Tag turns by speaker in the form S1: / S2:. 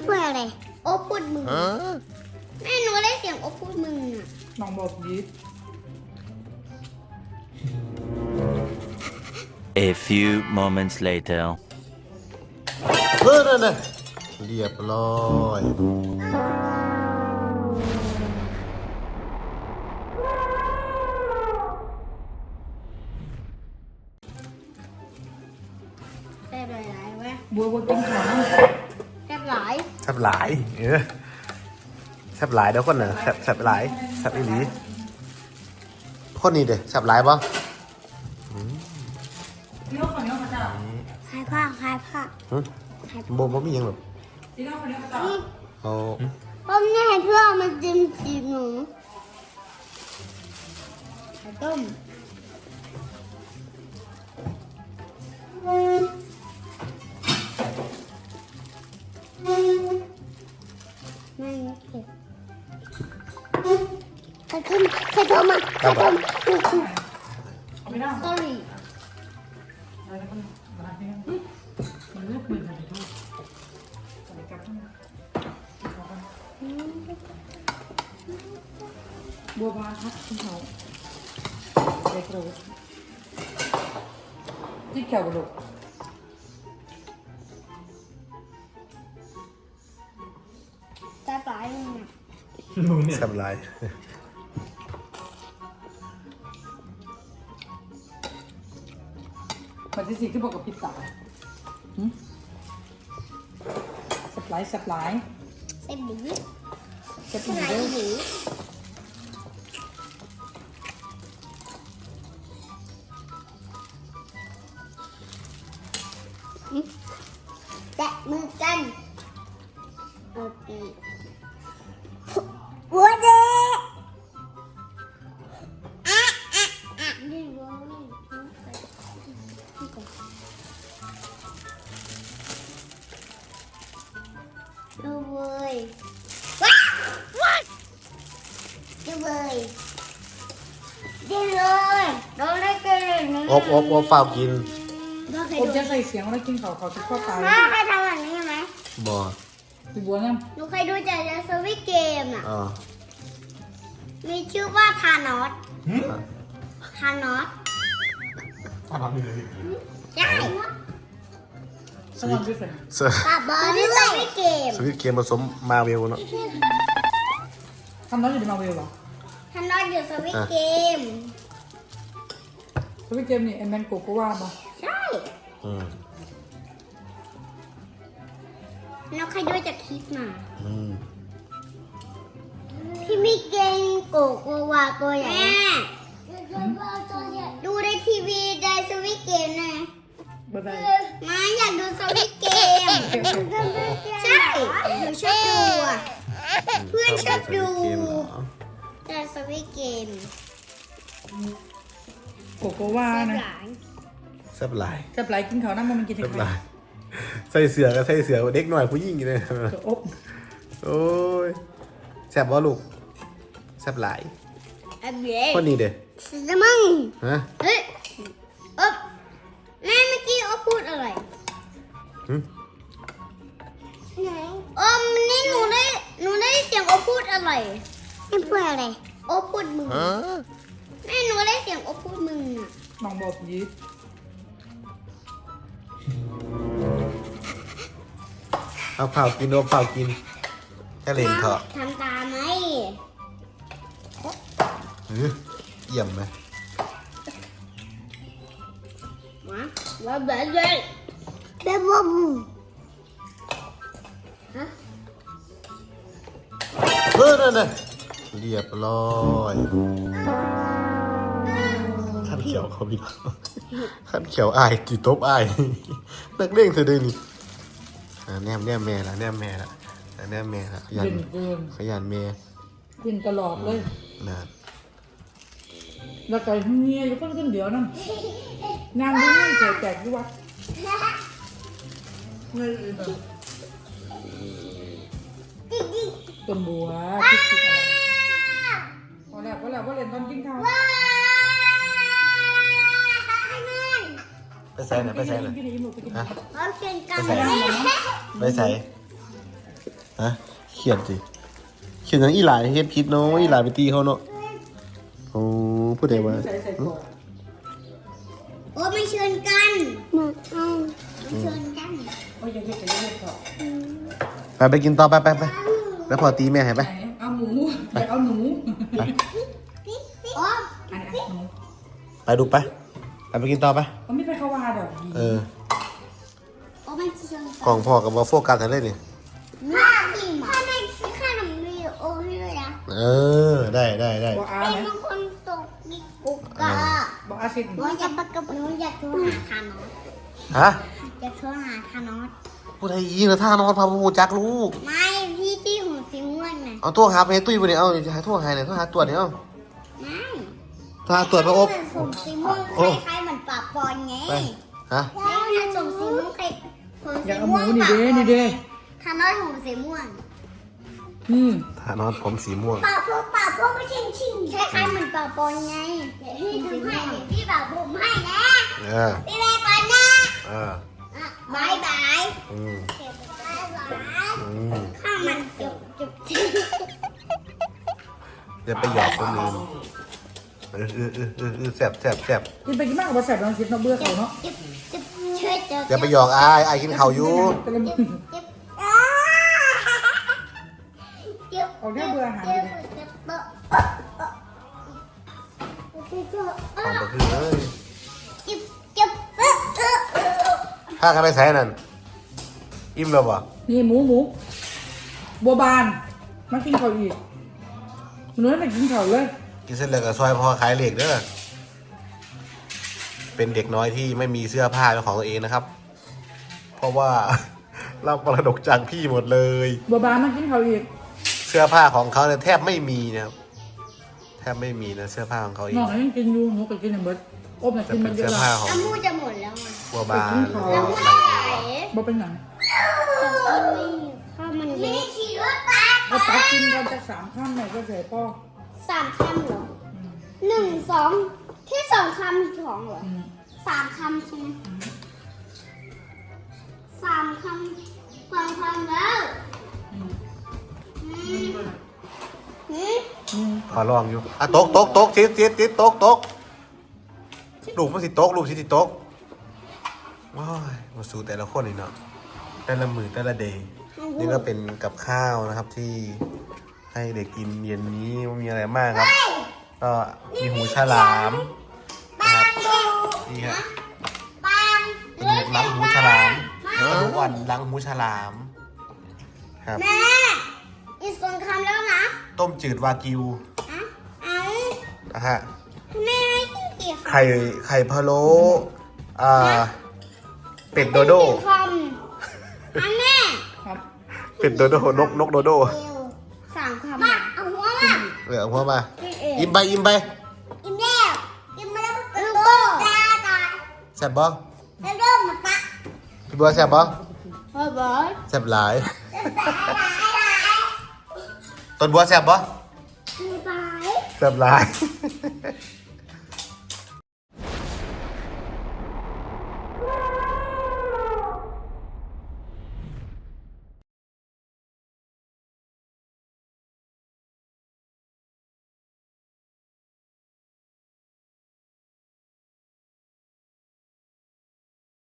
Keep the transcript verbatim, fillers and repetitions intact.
S1: พูดอะไรโอ้พูดมึงแม่หนูได้เสียงโอ้พูดมึงอ่ะ
S2: น้องบอกยิด
S3: A few moments later
S4: เออนั่นน่ะเรียบร้อย
S1: แซ่บหลายๆวะ
S2: บัวบัวกินข้าวนะ
S1: แซ่บหลาย
S4: แซ่บหลายเออแซ่บหลายเดี๋ยวคนน่ะแซ่บแซ่บหลายแซ่บอีหลีคนนี้เด้แซ่บหลายป่ะ
S2: พี่น้องคนนี้เขาจะ
S1: คลายผ้าคลายผ้า
S4: ฮึบ่บ่มีหยังหรอก
S2: พี่น้องคนนี้เขาจะ
S4: เอา
S1: ผมเนี่ยให้เพื่อนมาจิ้มจีหนูไข่ต้มไม่เผ็ดไข่ต้มไข่ต้มอ่ะไข่ต้ม
S2: เอาไม่ได้
S1: sorry
S2: อะไรกันมาที่นี่มันเลือกมือกันทุกใส่กับบัวบานครับคุณเขาเด็กรู้ที่แขวบุก
S1: ตาปลายเลยนะ
S4: แซ่บหลาย
S2: มันที่สี่ที่บอกกับพิซซ่าสปายสปาย
S1: เส้นหมี่
S2: ส
S1: เส้น
S2: ปา
S1: ไหน
S2: ย
S1: หมี่แตะมือกันโอเคหัวเด็กอ่ะอ่ะอ่ะนี่วงนี่นี่ก่อนดูเว้ยว้าวดูเว้ยดูเลยดูได้เกิน
S4: อบอบอบเฝ้ากิน
S1: ก็เคย
S2: ผม
S1: ดู
S2: จะใส่เสียงแล้วกินเขาเขาจะเข้าตาย
S1: แม่เคยทำแบบนี้ไหม
S4: บ่
S2: พี่บัวเนี่ย
S1: หนูเคยดูจากในสวิตเกมอ่ะ
S4: อ๋อ
S1: มีชื่อว่าทานอสทานอส
S4: ถ้าทำนี่เลย
S1: ใช่
S2: สมองด้วยสิ
S4: ส
S1: กับบอลที่สวิตเกม
S4: สวิตเกมผสมมาเวลเนาะ
S2: ทำน้องอยู่ในมาเวลเหรอ
S1: ทานอสอยู่สวิตเกม
S2: สวิตเกมนี่เอ็มแมนโกโกว่าป่ะ
S1: ใช่
S4: อืม
S1: เราเคยดูจากคลิปมา
S4: อืม
S1: พี่มิเกงโกโกวาตัวใหญ่ดูในทีวีในสวิตเกมนะ
S2: บ๊ายบาย
S1: มาอยากดูสวิตเกม ใช่หนูชอบดูอ่ะ เพื่อนชอบดู
S4: เกมเหรอ
S1: แต่สวิตเกม
S2: โกโกว่า
S1: แซ่บ
S2: นะ
S1: หลาย
S4: แซ่บหลาย
S2: จะปลายกินเขาน้ำมันกินถึ
S4: แซ่
S2: ง
S4: บ
S2: ไห
S4: ห
S2: น
S4: ลายใส่เสือก็ใส่เสือเด็กหน่อยผู้หญิงเลย
S2: อบ
S4: โอ้ยแซ่บบ่ลูกแซ่บหลาย
S1: อันเบี้ย
S4: คนนี้เด้
S1: สมึง
S4: ฮะ
S1: เฮ้ยอ๊บแม่เมื่อกี้อ๊บพูดอะไร
S4: หึ
S1: ไหนอ๊บนี่หนูได้หนูได้เสียงอ๊บพูดอะไรไม่พูดอะไรอ๊บพูดมึงแม่หนูได้เสียงอ๊บพูดมึงอ่ะ
S2: น้องบอกยิด
S4: เอาเผากินโดนเผากินแค่เล่นเถอะ
S1: ทำตามไหม
S4: เฮ้ยเยี่ยมไหม
S1: มาว่าแบบเลยแบบว่าบูฮะ
S4: เออนั่นน่ะเรียบร้อยขั้นเขียวเขาพี่น้องขั้นเขียวอายกี่ตบอายนักเล่งเธอเดินนี่อ่าแนมแนมแม่ละแนมแม่ละอ่าแนมแม่ละขยัน
S2: เล่นเกิน
S4: ขยันแม่
S2: กินตลอดเลย
S4: นะ
S2: แล้วก็เฮียอยู่คนคนเดียวนั่นงานที่นี่แจกที่วัดเงินต้นบัวคิดคิดอะไรพอแล้วพอแล้วพอเล่นตอนกินข้าว
S4: ไปใส่หน่อยไปใส่หน่อย
S2: กินอีหมูไปกิน
S4: ฮะ
S1: เขาเชิญกัน
S4: ไปใส่ ไปใส่ฮะเขียนสิเขียนอย่างอีหลายเฮ็ดผิดเนาะอีหลายไปตีเขาเนาะโอ้พูดได้ว่า
S2: ใส่ใส่กรอก
S1: โอ้ไม่เชิญกันมาเอาไม่เชิญกัน
S2: โอ้ยยังเห็ดกันเรื่อยๆก่อน
S4: ไปไปกินต่อไปไปไปแล้วพอตีแม่ให้ไป
S2: ไหนเอาหมูอยากเอาหนู
S1: โอ้
S2: อันนี้หนู
S4: ไปดูไปไปไปกินต่อไป
S2: มันไม่ไปเข้าวาดอก
S4: เออ
S1: โอ้ไม่เชิญ
S4: กล่องพ่อกับว่าโฟกัสกันเลยนี่
S1: ถ้าถ้าไม่ซื้อขนมวิดีโอให้ด้วยนะ
S4: เออได้ได้ได้
S2: บอกอา
S1: เป็น
S2: ไหม
S1: บางคนตกดิกุกกะ
S2: บอกอาสิ
S1: หนูอยากปากกับหนูอยากโทรหาทานอส
S4: ฮะ
S1: อยากโทรหาทานอส
S4: พูดไทยยิงนะท่านอนพาพูจักลูก
S1: ไม่พี่ที่หูสีม่วงน่ะ
S4: เอาตัวหาไปให้ตุ้ยไปเนี่ยเอาจะหาตัวหายเนี่ยตัวหาตัวเนี่ยเอา
S1: ไม่
S4: ตัวหาตัวพระอบ
S1: ผมสีม่วงคล้ายๆเหมือนปากปอนไง
S4: ไปฮะ
S1: แล้วถ้าสมสีม่วงคล้ายผม
S2: อ
S1: สี
S2: ยากเอาห
S1: ม่ว
S2: มู
S1: ง
S2: นี่เด้นี่เด้
S1: ทานอสผมสีม่วง
S2: อืม
S4: ท่านอนผมสีม่วง
S1: ปากพวกปากพวกไม่ชิงชิงคล้ายๆเหมือนปากปอนไงเดี๋ยวพี่ทำให้เดี๋ยวพี่ปากผมให้นะ
S4: เออ
S1: พี่แม่ก่อนนะ
S4: เออ
S1: อ่ะบายบาย
S4: อืม
S1: เก็บบายบาย
S4: อืม
S1: ข้าวมันจุบจุบจุบ
S4: อย่าไปหยอกคนอื่นเออเออเออเออเออแสบแสบแสบ
S2: กินไปกินมากกว่าแสบลองคิดเนาะเบื่อเขาเนาะ
S1: จุบจุบช่วยจุบ
S4: อย่าไปหยอกอายอายกินข้าวอยู่
S2: แต่ละมือ
S1: จุบอ่าจุบ
S2: เอาแค่เบื่ออาหารอยู่ดิ
S1: จุบจุบจุบจุบ
S4: ของก็คือเลย
S1: จุบจุบเออเออเออ
S4: พากันไปใส่นั่นอิ่มแล้วบ่
S2: นี่หมูหมูบัวบานมากินข้าวอีกหนูไม่กินข้าวเลย
S4: กินเสร็จแล้วก็ซอยพ่อขายเหล็กเด้อเป็นเด็กน้อยที่ไม่มีเสื้อผ้าเป็นของตัวเองนะครับ เพราะว่า รับมรดกจากพี่หมดเลย
S2: บัวบานมากินข้าวอีก
S4: เสื้อผ้าของเขาเนี่ยแทบไม่มีนะครับแทบไม่มีนะเสื้อผ้าของเขาเอง
S2: น้องยังกินอยู่หนูก็กินอย่างเบิดอบน่ะ
S4: จะ
S2: กิน
S4: เป็
S2: มัน นเย
S4: เสื้อ
S2: อะ
S4: ผ้า
S2: ละ
S4: ของ
S1: น้ำมูกจะหมดแล้วอ่ะ
S4: บัวบาน
S1: น้ำมูกไหล
S2: บ่เป็นหยัง
S1: ข้าวมันเละขี่รถไป
S2: เอาตักกินกันจากสามข้ามไหนก็เสียพ่อ
S1: สามคำเหรอหนึ่งสองแค่สองคำสองเหรอ
S2: อืม
S1: สามคำใช่ไหมสามคำสองคำแล้ว
S2: อืม
S1: อืมอืม
S2: อืม
S4: ขอลองอยู่อ่ะตกตกตกชิดชิดชิดตกตกลูกมันสิตกลูกสิสิตกว้ายมาสู่แต่ละคนนี่เนาะแต่ละมือแต่ละเดย์นี่ก็เป็นกับข้าวนะครับที่ให้เด็กกินเย็นนี้ไม่มีอะไรมากครับ ก็มีหูฉลามนะครับนี่ฮะ
S1: ปัง
S4: เป็นล้างหูฉลามกระดูกอ่อนล้างหูฉลามครับ
S1: แม่อีกสองคำแล้วนะ
S4: ต้มจืดวากิว
S1: อ่ะเอา
S4: นะฮะ
S1: แม่ให้กินกี่คำ
S4: ไข่ไข่พะโล้อ่าเป็ดโดโด
S1: กี่คำอ่ะแม่
S2: ครับ
S4: เป็ดโดโดนกนกโดโด
S1: เร็วสามคำมาเอาหัวมา
S4: เหลือหัวมา
S1: พี่เอ๋
S4: อิ่มไปอิ่มไป
S1: อิ่มแล้วอิ่มมาแล้วลูกโป่ตาตา
S4: แซ่บบ่
S1: แล้วเริ่มมาปะ
S4: พี่บัวแซ่บบ่
S1: บ๊ายบาย
S4: แซ่บหลาย
S1: บ๊ายบาย
S4: ต้นบัวแซ่บบ่
S1: บ๊ายบาย
S4: แซ่บหลาย